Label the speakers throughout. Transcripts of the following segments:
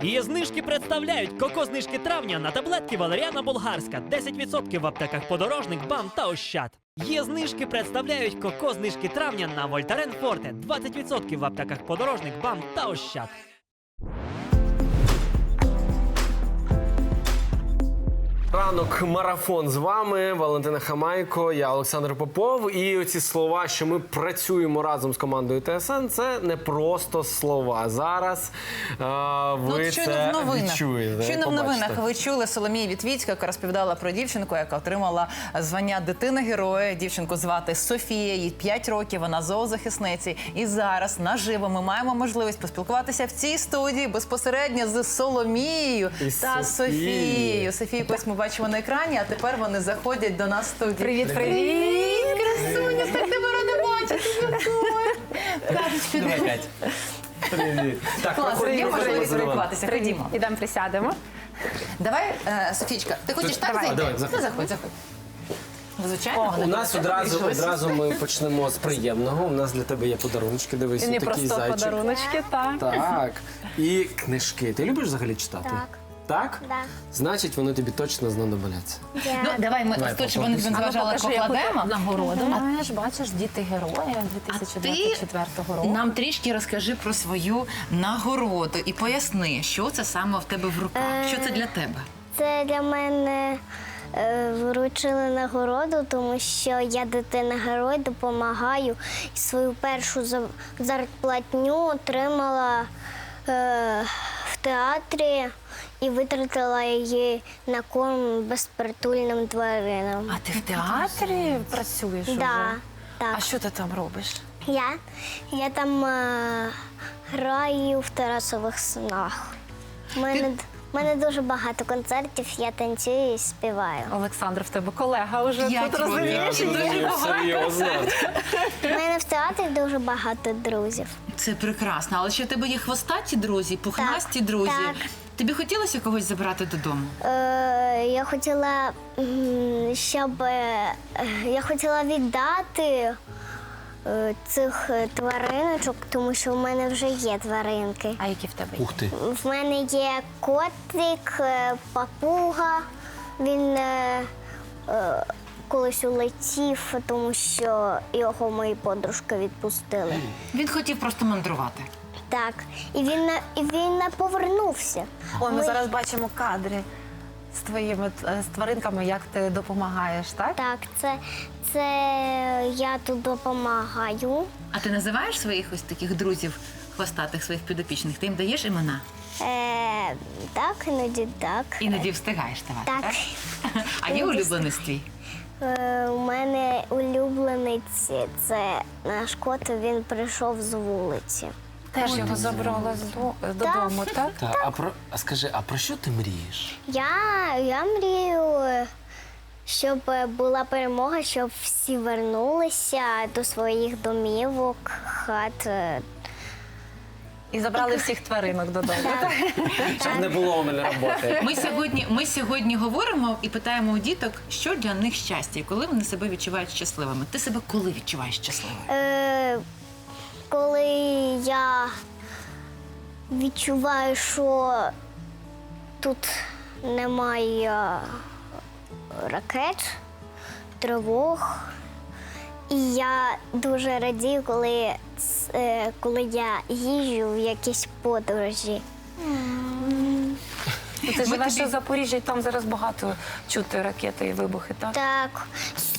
Speaker 1: Її знижки представляють коко-знижки травня на таблетки Валеріана Болгарська. 10% в аптеках Подорожник, БАМ та Ощад. Є знижки представляють коко-знижки травня на Вольтарен Форте. 20% в аптеках Подорожник, БАМ та Ощад.
Speaker 2: Ранок марафон з вами, Валентина Хамайко, я Олександр Попов. І оці слова, що ми працюємо разом з командою ТСН, це не просто слова. Зараз ви це відчуєте.
Speaker 3: Щойно в новинах ви чули Соломію Вітвіцьку, яка розповідала про дівчинку, яка отримала звання дитина-героя. Дівчинку звати Софія, їй 5 років, вона зоозахисниці. І зараз наживо ми маємо можливість поспілкуватися в цій студії безпосередньо з Соломією та Софією. Софію ось ми бачимо на екрані, а тепер вони заходять до нас в студію.
Speaker 4: Привіт, привіт!
Speaker 3: Красуня, так тебе рада бачити.
Speaker 2: Давай, Кать. Привіт. Так,
Speaker 3: Клас, є можливість спілкуватися. Ходімо.
Speaker 4: Ідемо присядемо.
Speaker 3: Давай, Софічка, ти хочеш так зайти?
Speaker 2: Давай, заходь.
Speaker 3: Ну, заходь. Звичайно.
Speaker 2: У нас одразу ми почнемо з приємного. У нас для тебе є подаруночки, дивись,
Speaker 4: Не
Speaker 2: такий
Speaker 4: просто
Speaker 2: зайчик.
Speaker 4: подаруночки, так.
Speaker 2: Так. І книжки. Ти любиш взагалі читати?
Speaker 5: Так.
Speaker 2: Так?
Speaker 5: Да.
Speaker 2: Значить, вони тобі точно знадобляться.
Speaker 3: Ну, давай ми
Speaker 2: Давай,
Speaker 3: ось тут, щоб вони не зважали, покладемо.
Speaker 4: Нагороду маєш, бачиш, діти героя 2024 року.
Speaker 3: Нам трішки розкажи про свою нагороду і поясни, що це саме в тебе в руках, що це для тебе.
Speaker 5: Це для мене вручили нагороду, тому що я дитина-герой, допомагаю. І свою першу зарплатню отримала в театрі і витратила її на корм безпритульним тваринам.
Speaker 4: А ти в театрі працюєш уже?
Speaker 5: Так.
Speaker 4: А що ти там робиш?
Speaker 5: Я там граю в Тарасових снах. У мене дуже багато концертів, я танцюю і співаю.
Speaker 4: Олександр, в тебе колега вже
Speaker 3: 5
Speaker 4: тут,
Speaker 3: років.
Speaker 4: розумієш?
Speaker 2: Серйозно.
Speaker 5: У мене в театрі дуже багато друзів.
Speaker 3: Це прекрасно, але ще в тебе є хвостаті друзі, пухнасті друзі.
Speaker 5: так.
Speaker 3: Тобі хотілося когось забрати додому?
Speaker 5: Я хотіла, я хотіла віддати цих твариночок, тому що в мене вже є тваринки.
Speaker 4: А які в тебе є?
Speaker 2: Ух ти.
Speaker 5: В мене є котик, папуга. Він колись улетів, тому що його мої подружки відпустили.
Speaker 3: Він хотів просто мандрувати.
Speaker 5: Так, і він не повернувся.
Speaker 4: Ой, ми зараз бачимо кадри з твоїми з тваринками, як ти допомагаєш, так?
Speaker 5: Так, це я тут допомагаю.
Speaker 3: А ти називаєш своїх ось таких друзів хвостатих, своїх підопічних? Ти їм даєш імена?
Speaker 5: Так, іноді так.
Speaker 3: Іноді встигаєш давати,
Speaker 5: Так.
Speaker 3: так? А є улюбленець твій?
Speaker 5: У мене улюблений це наш кот, він прийшов з вулиці.
Speaker 4: Теж його забрала додому, так?
Speaker 2: А скажи, а про що ти мрієш?
Speaker 5: Я мрію, щоб була перемога, щоб всі вернулися до своїх домівок, хат.
Speaker 4: І забрали всіх тваринок додому, так?
Speaker 2: Щоб не було у мене роботи.
Speaker 3: Ми сьогодні говоримо і питаємо у діток, що для них щастя і коли вони себе відчувають щасливими. Ти себе коли відчуваєш щасливою?
Speaker 5: Коли я відчуваю, що тут немає ракет, тривог. І я дуже радію, коли я їжджу в якісь подорожі.
Speaker 4: Ти живеш у Запоріжжі, і там зараз багато чути ракети і вибухи, так?
Speaker 5: Так.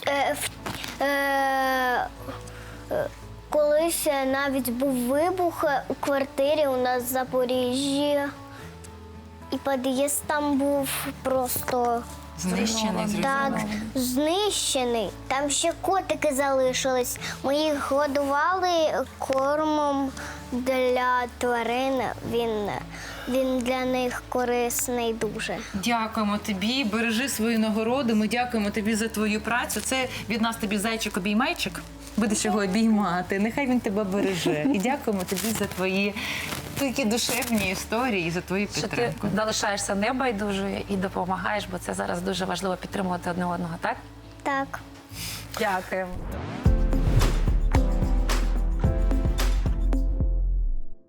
Speaker 5: Колись навіть був вибух у квартирі у нас в Запоріжжі. І під'їзд там був просто
Speaker 3: Знищений,
Speaker 5: так, знищений. Там ще котики залишились. Ми їх годували кормом для тварин. Він для них корисний дуже.
Speaker 3: Дякуємо тобі, бережи свою нагороду. Ми дякуємо тобі за твою працю. Це від нас тобі зайчик-обіймайчик. Будеш його обіймати. Нехай він тебе береже. І дякуємо тобі за твої такі душевні історії, за твою
Speaker 4: Що ти
Speaker 3: підтримку.
Speaker 4: залишаєшся небайдужою і допомагаєш, бо це зараз дуже важливо підтримувати одне одного, так?
Speaker 5: Так.
Speaker 4: Дякуємо.